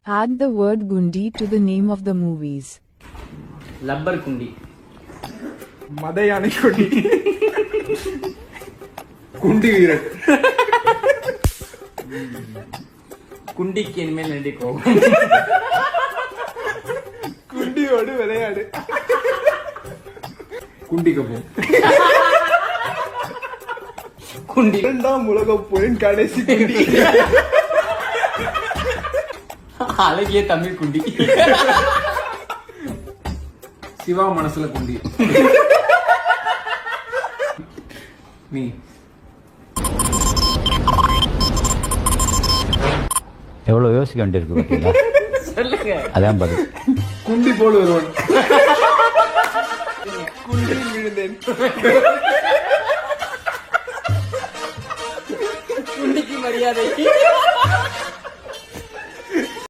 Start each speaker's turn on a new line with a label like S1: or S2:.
S1: Add the word Gundi to the name of the movies.
S2: Rubber குண்டி.
S3: மதையானை குண்டி. குண்டி வீரன்.
S2: குண்டிக்கு இனிமேல் நடிக்கும்.
S3: குண்டியோடு விளையாடு. குண்டிக்கப்போ.
S2: குண்டி.
S3: இரண்டாம் உலகப் போரின் கடைசி குண்டி.
S2: அழகிய தமிழ் குண்டி.
S3: சிவா மனசுல குண்டி. நீ
S4: எவ்வளவு யோசிக்க வேண்டியிருக்கு பார்த்தீங்களா?
S2: சொல்லுங்க.
S4: அதான் பதில்.
S3: குண்டி போல் வருவன். குண்டில் விழுந்தேன்.
S2: குண்டிக்கு மரியாதை.